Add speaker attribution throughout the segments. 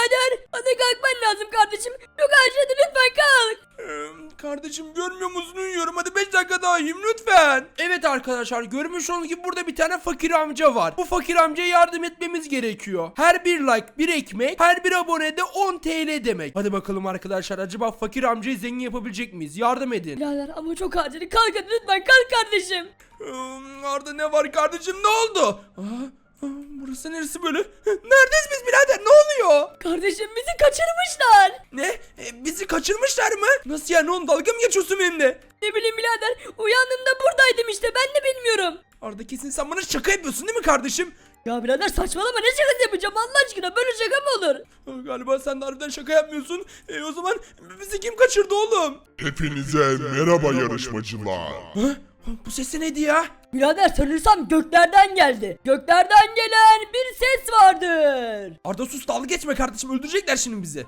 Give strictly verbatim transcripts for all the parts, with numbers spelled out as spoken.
Speaker 1: birader. Hadi kalkman lazım kardeşim. Çok acil, lütfen kalk.
Speaker 2: Ee, kardeşim görmüyor musun, uyuyorum, hadi beş dakika daha uyuyayım lütfen. Evet arkadaşlar, görmüş olduğunuz gibi burada bir tane fakir amca var. Bu fakir amcaya yardım etmemiz gerekiyor. Her bir like bir ekmek, her bir abone de on T L demek. Hadi bakalım arkadaşlar, acaba fakir amcayı zengin yapabilecek miyiz? Yardım edin.
Speaker 1: Birader ama çok acil, kalk hadi lütfen, kalk kardeşim.
Speaker 2: Ee, Arda ne var kardeşim, ne oldu? Aa, aa, burası neresi böyle? Neredeyiz biz birader, ne oluyor?
Speaker 1: Kardeşim bizi kaçırmışlar.
Speaker 2: Ne? E, bizi kaçırmışlar mı? Nasıl yani oğlum, dalga mı geçiyorsun benimle?
Speaker 1: Ne bileyim birader, uyandığımda buradaydım işte, ben de bilmiyorum.
Speaker 2: Arda kesin sen bana şaka yapıyorsun değil mi kardeşim?
Speaker 1: Ya birader saçmalama, ne şakası yapacağım Allah aşkına, böyle şaka mı olur?
Speaker 2: Aa, galiba sen de harbiden şaka yapmıyorsun. E, o zaman bizi kim kaçırdı oğlum?
Speaker 3: Hepinize merhaba yarışmacılar.
Speaker 2: Ha? Bu ses de neydi ya?
Speaker 1: Birader sanırsam göklerden geldi. Göklerden gelen bir ses vardır.
Speaker 2: Arda sus, dalga geçme kardeşim, öldürecekler şimdi bizi.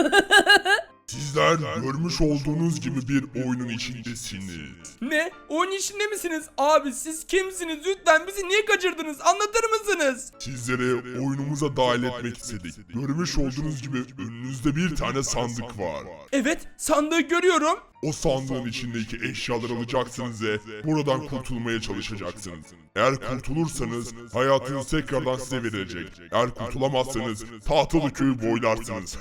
Speaker 3: Sizler görmüş olduğunuz gibi bir oyunun içindesiniz.
Speaker 2: Ne? Oyun içinde misiniz? Abi siz kimsiniz? Lütfen bizi niye kaçırdınız? Anlatır mısınız?
Speaker 3: Sizleri oyunumuza dahil etmek istedik. Görmüş olduğunuz gibi önünüzde bir tane sandık var.
Speaker 2: Evet, sandığı görüyorum.
Speaker 3: O sandığın içindeki eşyaları alacaksınız ve buradan kurtulmaya çalışacaksınız. Eğer kurtulursanız hayatınız tekrardan size verilecek. Eğer kurtulamazsanız tahtalı köyü boylarsınız.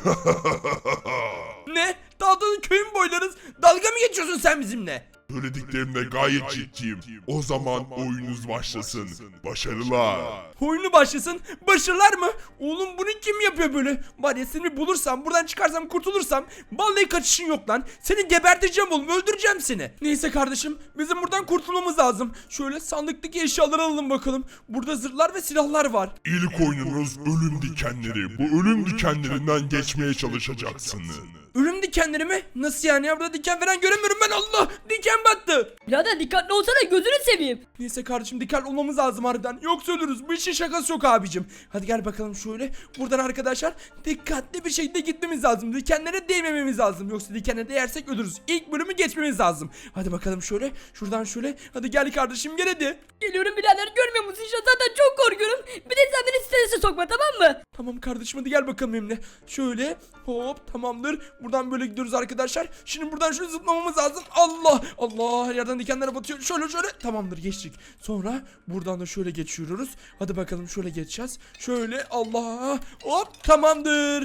Speaker 2: Ne? Tahtalı köyün boylarız. Dalga mı geçiyorsun sen bizimle?
Speaker 3: Söylediklerimde gayet ciddiyim. O zaman oyununuz başlasın. Başarılar.
Speaker 2: Oyunu başlasın. Başarılar mı? Oğlum bunu kim yapıyor böyle? Var ya seni bulursam, buradan çıkarsam, kurtulursam vallahi kaçışın yok lan. Seni geberteceğim oğlum, öldüreceğim seni. Neyse kardeşim, bizim buradan kurtulmamız lazım. Şöyle sandıktaki eşyaları alalım bakalım. Burada zırhlar ve silahlar var.
Speaker 3: İlk oyununuz ölüm dikenleri. Bu ölüm dikenlerinden geçmeye çalışacaksınız.
Speaker 2: Ölüm dikenleri mi? Nasıl yani ya? Burada diken falan göremiyorum ben, Allah! Diken battı.
Speaker 1: Birader dikkatli olsana, gözünü seveyim.
Speaker 2: Neyse kardeşim, dikkatli olmamız lazım harbiden. Yoksa ölürüz. Bu işin şakası yok abicim. Hadi gel bakalım şöyle. Buradan arkadaşlar dikkatli bir şekilde gitmemiz lazım. Dikenlere değmememiz lazım. Yoksa dikenlere değersek ölürüz. İlk bölümü geçmemiz lazım. Hadi bakalım şöyle. Şuradan şöyle. Hadi gel kardeşim, gel hadi.
Speaker 1: Geliyorum birader, görmüyor musun? İşte zaten çok korkuyorum. Bir de sen beni strese sokma, tamam mı?
Speaker 2: Tamam kardeşim, hadi gel bakalım benimle. Şöyle hop, tamamdır. Buradan böyle gidiyoruz arkadaşlar. Şimdi buradan şöyle zıplamamız lazım. Allah Allah, her yerden dikenlere batıyor. Şöyle şöyle, tamamdır, geçtik. Sonra buradan da şöyle geçiyoruz. Hadi bakalım şöyle geçeceğiz. Şöyle, Allah, hop, tamamdır.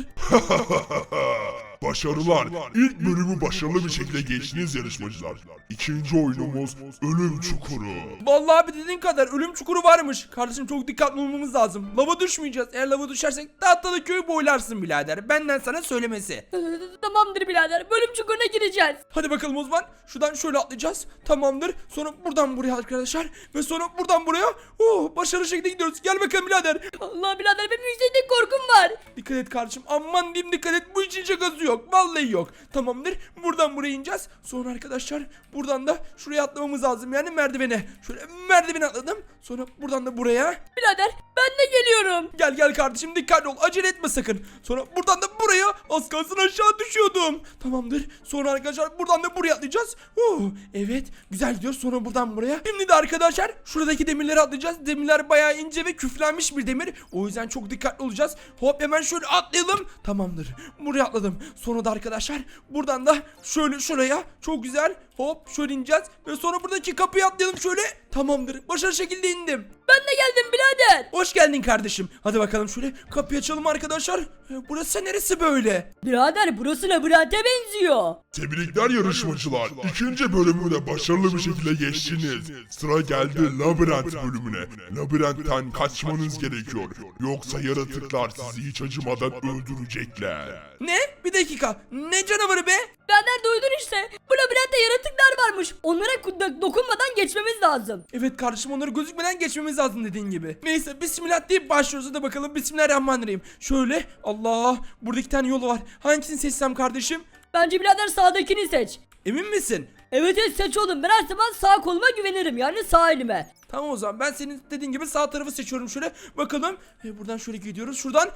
Speaker 3: Başarılar. İlk bölümü başarılı bir şekilde geçtiniz yarışmacılar. İkinci oyunumuz ölüm çukuru.
Speaker 2: Vallahi abi dediğin kadar ölüm çukuru varmış. Kardeşim çok dikkatli olmamız lazım. Lava düşmeyeceğiz. Eğer lava düşersek tahtalı köyü boylarsın birader. Benden sana söylemesi.
Speaker 1: Ee, Tamamdır birader, bölüm çukuruna gireceğiz.
Speaker 2: Hadi bakalım o zaman. Şuradan şöyle atlayacağız. Tamamdır. Sonra buradan buraya arkadaşlar. Ve sonra buradan buraya. Oh, başarılı şekilde gidiyoruz. Gel bakalım birader.
Speaker 1: Allah birader, benim yükseklik korkum var.
Speaker 2: Dikkat et kardeşim. Aman diyeyim, dikkat et. Bu için şakası yok. Vallahi yok. Tamamdır. Buradan buraya ineceğiz. Sonra arkadaşlar buradan da şuraya atlamamız lazım. Yani merdivene. Şöyle merdivene atladım. Sonra buradan da buraya.
Speaker 1: Birader ben de geliyorum.
Speaker 2: Gel gel kardeşim, dikkatli ol, acele etme sakın. Sonra buradan da buraya, az kalsın aşağı düşüyordum. Tamamdır. Sonra arkadaşlar buradan da buraya atlayacağız. Oh, evet güzel gidiyoruz. Sonra buradan buraya. Şimdi de arkadaşlar şuradaki demirleri atlayacağız. Demirler bayağı ince ve küflenmiş bir demir. O yüzden çok dikkatli olacağız. Hop, hemen şöyle atlayalım. Tamamdır. Buraya atladım. Sonra da arkadaşlar buradan da şöyle şuraya, çok güzel. Hop, şöyle ineceğiz ve sonra buradaki kapıyı atlayalım şöyle. Tamamdır. Başarılı şekilde indim.
Speaker 1: Ben de geldim birader.
Speaker 2: Hoş geldin kardeşim. Hadi bakalım şöyle kapıyı açalım arkadaşlar. E, Burası neresi böyle?
Speaker 1: Birader burası labirente benziyor.
Speaker 3: Tebrikler yarışmacılar. İkinci bölümü de başarılı bir şekilde geçtiniz. Sıra geldi labirent bölümüne. Labirentten kaçmanız gerekiyor. Yoksa yaratıklar sizi hiç acımadan öldürecekler.
Speaker 2: Ne? Bir dakika. Ne canavarı be?
Speaker 1: Birader duydun işte. Bu labirentte yaratıklar varmış. Onlara do- dokunmadan geçmemiz lazım.
Speaker 2: Evet kardeşim, onları gözükmeden geçmemiz lazım dediğin gibi. Neyse, bismillah deyip başlıyoruz. Hadi bakalım, bismillahirrahmanirrahim. Şöyle, Allah, burada iki tane yol var. Hangisini seçsem kardeşim?
Speaker 1: Bence birader sağdakini seç.
Speaker 2: Emin misin?
Speaker 1: Evet evet seç oğlum. Ben her zaman sağ koluma güvenirim. Yani sağ elime.
Speaker 2: Tamam o zaman, ben senin dediğin gibi sağ tarafı seçiyorum şöyle. Bakalım. E, buradan şöyle gidiyoruz. Şuradan.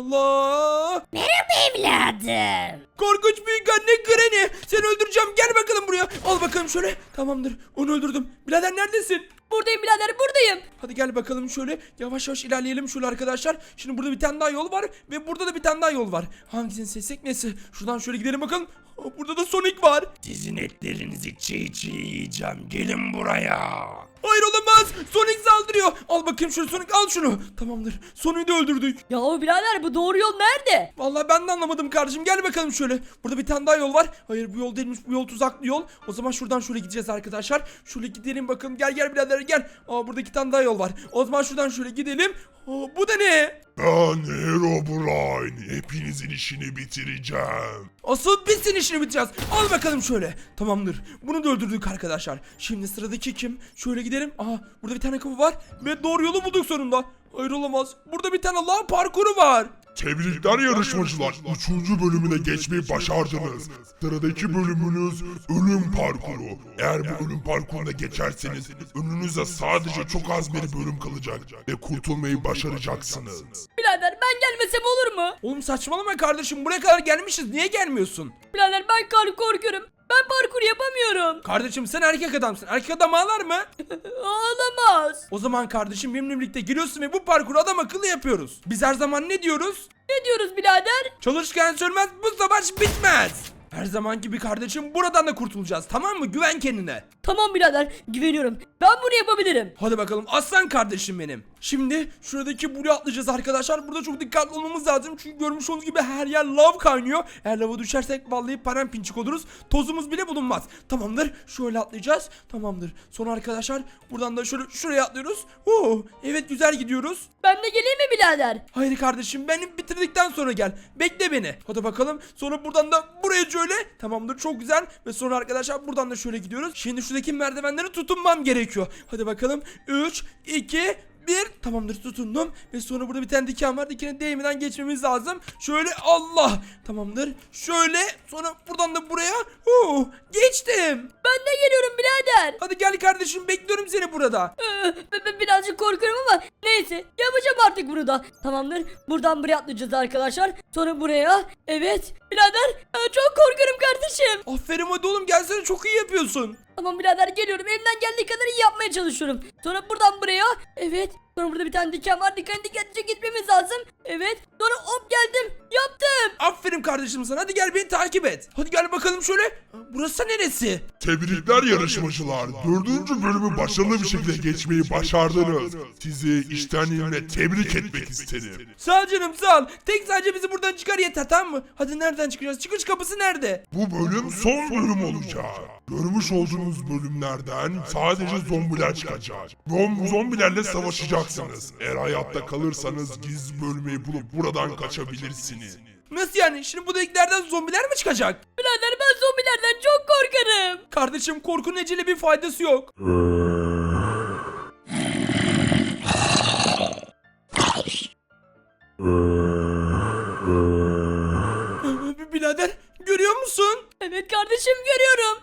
Speaker 2: Allah!
Speaker 1: Evladım.
Speaker 2: Korkunç büyük anne Granny. Seni öldüreceğim. Gel bakalım buraya. Al bakalım şöyle. Tamamdır. Onu öldürdüm. Birader neredesin?
Speaker 1: Buradayım birader buradayım.
Speaker 2: Hadi gel bakalım şöyle yavaş yavaş ilerleyelim şöyle arkadaşlar. Şimdi burada bir tane daha yol var ve burada da bir tane daha yol var. Hangisini seçsek neyse. Şuradan şöyle gidelim bakalım. Aa, burada da Sonic var.
Speaker 4: Sizin etlerinizi çiğ çiğ yiyeceğim. Gelin buraya.
Speaker 2: Hayır olamaz. Sonic saldırıyor. Al bakayım şunu Sonic, al şunu. Tamamdır. Sonic'i de öldürdük.
Speaker 1: Ya birader bu doğru yol nerede?
Speaker 2: Vallahi ben de anlamadım kardeşim. Gel bakalım şöyle. Burada bir tane daha yol var. Hayır bu yol değilmiş. Bu yol tuzaklı yol. O zaman şuradan şöyle gideceğiz arkadaşlar. Şöyle gidelim bakalım. Gel gel birader gel. Aa burada iki tane daha yol var. O zaman şuradan şöyle gidelim. Aa, bu da ne?
Speaker 3: Ben Herobrine. Hepinizin işini bitireceğim.
Speaker 2: Asıl biz senin işini bitireceğiz. Al bakalım şöyle. Tamamdır. Bunu da öldürdük arkadaşlar. Şimdi sıradaki kim? Şöyle gidelim. Aha burada bir tane kapı var. Ve doğru yolu bulduk sonunda. Hayır olamaz. Burada bir tane lav parkuru var.
Speaker 3: Tebrikler yarışmacılar. Üçüncü bölümüne geçmeyi başardınız. Sıradaki bölümünüz ölüm parkuru. Eğer bu ölüm parkuruna geçerseniz önünüzde sadece çok az bir bölüm kalacak ve kurtulmayı başaracaksınız.
Speaker 1: Birader ben gelmesem olur mu?
Speaker 2: Oğlum saçmalama kardeşim. Buraya kadar gelmişiz. Niye gelmiyorsun?
Speaker 1: Birader ben kar korkuyorum. Ben parkur yapamıyorum.
Speaker 2: Kardeşim sen erkek adamsın. Erkek adam ağlar mı?
Speaker 1: Ağlamaz.
Speaker 2: O zaman kardeşim benimle birlikte giriyorsun ve bu parkuru adam akıllı yapıyoruz. Biz her zaman ne diyoruz?
Speaker 1: Ne diyoruz birader?
Speaker 2: Çalışırken sürmez, bu savaş bitmez. Her zamanki bir kardeşim, buradan da kurtulacağız, tamam mı? Güven kendine.
Speaker 1: Tamam birader güveniyorum. Ben bunu yapabilirim.
Speaker 2: Hadi bakalım aslan kardeşim benim. Şimdi şuradaki buraya atlayacağız arkadaşlar. Burada çok dikkatli olmamız lazım. Çünkü görmüş olduğunuz gibi her yer lav kaynıyor. Eğer lava düşersek vallahi paramparçık oluruz. Tozumuz bile bulunmaz. Tamamdır. Şöyle atlayacağız. Tamamdır. Sonra arkadaşlar buradan da şöyle şuraya atlıyoruz. Oo, evet güzel gidiyoruz.
Speaker 1: Ben de geleyim mi birader?
Speaker 2: Hayır kardeşim, benim bitirdikten sonra gel. Bekle beni. Hadi bakalım. Sonra buradan da buraya şöyle. Tamamdır, çok güzel. Ve sonra arkadaşlar buradan da şöyle gidiyoruz. Şimdi şuradaki merdivenlere tutunmam gerekiyor. Hadi bakalım. üç, iki, bir. Tamamdır, tutundum. Ve sonra burada bir tane diken var. Dikene değmeden geçmemiz lazım. Şöyle, Allah. Tamamdır. Şöyle. Sonra buradan da buraya. Oo, geçtim.
Speaker 1: Ben de geliyorum birader.
Speaker 2: Hadi gel kardeşim, bekliyorum seni burada.
Speaker 1: Ee, b- b- birazcık korkuyorum ama neyse yapacağım artık bunu da. Tamamdır. Buradan buraya atlayacağız arkadaşlar. Sonra buraya. Evet. Birader e, çok korkuyorum kardeşim.
Speaker 2: Aferin, hadi oğlum gelsene, çok iyi yapıyorsun.
Speaker 1: Tamam birader geliyorum. Elimden geldiği kadar iyi yapmaya çalışıyorum. Sonra buradan buraya. Evet. Sonra burada bir tane diken var. Diken dikkatlice gitmemiz lazım. Evet. Sonra hop geldim. Yaptım.
Speaker 2: Aferin kardeşim sana. Hadi gel beni takip et. Hadi gel bakalım şöyle. Burası neresi?
Speaker 3: Tebrikler yarışmacılar. Dördüncü bölümü başarılı bir şekilde geçmeyi başardınız. Sizi içtenliğimle tebrik etmek isterim.
Speaker 2: Sağ ol canım, sağ ol. Tek sadece bizi buradan çıkar yeter, tamam mı? Hadi nereden çıkacağız? Çıkış kapısı nerede?
Speaker 3: Bu bölüm son bölüm olacak. Görmüş olduğunuz bölümlerden sadece zombiler çıkacak. Zom zombilerle savaşacaksınız. Eğer hayatta kalırsanız gizli bölmeyi bulup buradan kaçabilirsiniz.
Speaker 2: Nasıl yani? Şimdi bu deliklerden zombiler mi çıkacak?
Speaker 1: Birader ben zombilerden çok korkarım.
Speaker 2: Kardeşim, korkunun ecele bir faydası yok. Birader, görüyor musun?
Speaker 1: Evet kardeşim görüyorum.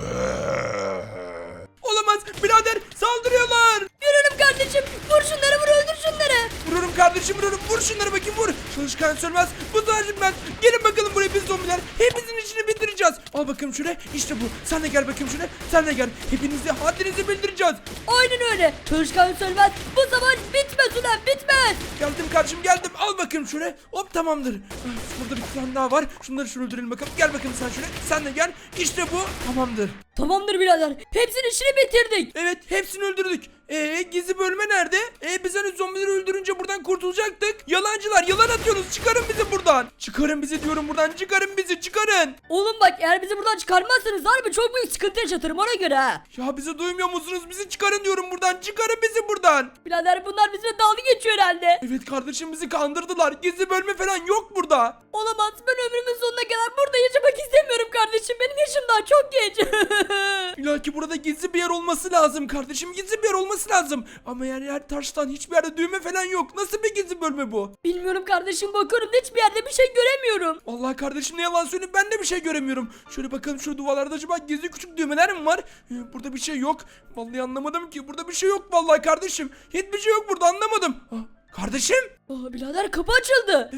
Speaker 2: Olamaz birader, saldırıyorlar.
Speaker 1: Görüyorum kardeşim. Vur şunları vur öldür şunları.
Speaker 2: Vururum kardeşim, vururum. Vur şunları bakayım, vur. Çalışkan sönmez. Bu sadece ben. Gelin bakalım buraya biz zombiler. Hepinizin işini bitireceğiz. Al bakalım şuraya. İşte bu. Sen de gel bakayım şuraya. Sen de gel. Hepinizi haddinizi bildireceğiz.
Speaker 1: Aynen öyle. Çalışkan sönmez. Bu savaş bitmez ulan bitmez.
Speaker 2: Geldim kardeşim, geldim. Al bakayım şuraya. Hop, tamamdır. Ah, burada bir tane daha var. Şunları şunu öldürelim bakalım. Gel bakayım sen şuraya. Sen de gel. İşte bu. Tamamdır.
Speaker 1: Tamamdır birader. Hepsinin işini bitirdik.
Speaker 2: Evet, hepsini öldürdük. Eee gizli bölme nerede? Eee biz hani zombileri öldürünce buradan kurtulacaktık. Yalancılar, yalan atıyorsunuz. Çıkarın bizi buradan. Çıkarın bizi diyorum buradan. Çıkarın bizi, çıkarın.
Speaker 1: Oğlum bak eğer bizi buradan çıkarmazsanız harbi çok büyük sıkıntı yaşatırım ona göre ha.
Speaker 2: Ya bizi duymuyor musunuz? Bizi çıkarın diyorum buradan. Çıkarın bizi buradan.
Speaker 1: Birader bunlar bizimle dalga geçiyor herhalde.
Speaker 2: Evet kardeşim, bizi kandırdılar. Gizli bölme falan yok burada.
Speaker 1: Olamaz ben ömrümün sonuna kadar burada yaşamak istemiyorum kardeşim. Benim yaşım daha çok genç.
Speaker 2: İlla ki burada gizli bir yer olması lazım kardeşim. Gizli bir yer olması lazım. Ama yani yer taştan, hiçbir yerde düğme falan yok. Nasıl bir gizli bölme bu?
Speaker 1: Bilmiyorum kardeşim bakıyorum da hiçbir yerde bir şey göremiyorum.
Speaker 2: Vallahi kardeşim, ne yalan söyleyeyim, ben de bir şey göremiyorum. Şöyle bakalım, şu duvarlarda acaba gizli küçük düğmeler mi var? Ee, burada bir şey yok. Vallahi anlamadım ki. Burada bir şey yok vallahi kardeşim. Hiçbir şey yok burada, anlamadım. Ah, kardeşim?
Speaker 1: Aa, birader kapı açıldı.
Speaker 2: Evet.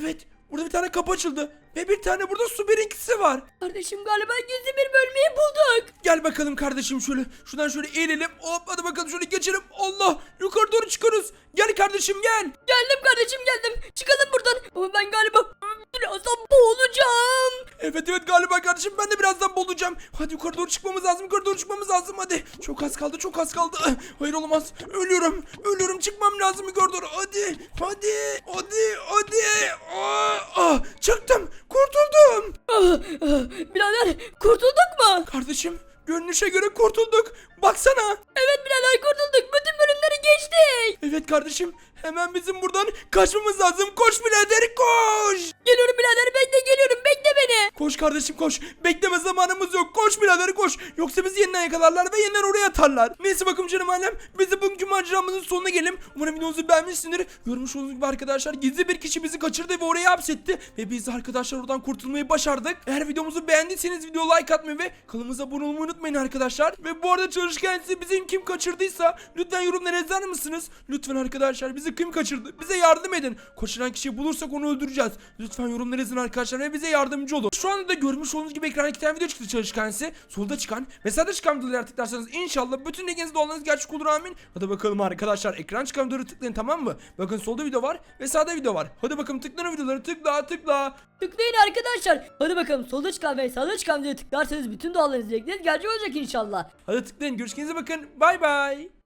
Speaker 2: Burada bir tane kapı açıldı. Ve bir tane burada su birinkisi var.
Speaker 1: Kardeşim galiba gizli bir bölmeyi bulduk.
Speaker 2: Gel bakalım kardeşim şöyle. Şuradan şöyle eğilelim. Hop hadi bakalım şöyle geçelim. Allah yukarı doğru çıkarız. Gel kardeşim gel.
Speaker 1: Geldim kardeşim geldim. Çıkalım buradan. Ama ben galiba birazdan boğulacağım.
Speaker 2: Evet evet galiba kardeşim ben de birazdan boğulacağım. Hadi yukarı doğru çıkmamız lazım. Yukarı doğru çıkmamız lazım hadi. Çok az kaldı çok az kaldı. Hayır olamaz. Ölüyorum. Ölüyorum çıkmam lazım yukarı doğru. Hadi. Hadi. Hadi. Hadi. Aa, ah, çıktım. Kurtuldum.
Speaker 1: Ah, ah, birader kurtulduk mu?
Speaker 2: Kardeşim görünüşe göre kurtulduk. Baksana.
Speaker 1: Evet birader kurtulduk. Bütün bölümleri geçtik.
Speaker 2: Evet kardeşim hemen bizim buradan kaçmamız lazım. Koş birader koş.
Speaker 1: Geliyorum birader bekle geliyorum bekle beni.
Speaker 2: Koş kardeşim koş. Bekleme zamanımız yok. Koş birader koş. Yoksa bizi yeniden yakalarlar ve yeniden oraya atarlar. Neyse bakalım canım alem. Biz de bugünkü maceramızın sonuna gelelim. Umarım videomuzu beğenmişsindir. Görmüş olduğunuz gibi arkadaşlar gizli bir kişi bizi kaçırdı ve oraya hapsetti. Ve biz de arkadaşlar oradan kurtulmayı başardık. Eğer videomuzu beğendiyseniz video like atmayı ve kanalımıza abone olmayı unutmayın arkadaşlar. Ve bu arada çalışkan size bizim kim kaçırdıysa lütfen yorumlara yazar mısınız? Lütfen arkadaşlar bizi kim kaçırdı? Bize yardım edin. Kaçıran kişiyi bulursak onu öldüreceğiz. Lütfen yorumlara yazın arkadaşlar ve bize yardımcı olun. Şu anda da görmüş olduğunuz gibi ekrana iki tane video çıktı çalışkan size. Solda çıkan ve sağda çıkan videoları tıklarsanız inşallah bütün dileğiniz dualarınız gerçek olur amin. Hadi bakalım arkadaşlar ekran çıkan videoları tıklayın tamam mı? Bakın solda video var ve sağda video var. Hadi bakalım tıklayın o videoları tıkla tıkla.
Speaker 1: Tıklayın arkadaşlar. Hadi bakalım solda çıkan ve sağda çıkan videoya tıklarsanız bütün dualarınız dilekleriniz gerçek olacak inşallah.
Speaker 2: Hadi tıklayın görüşürüz bakın bay bay.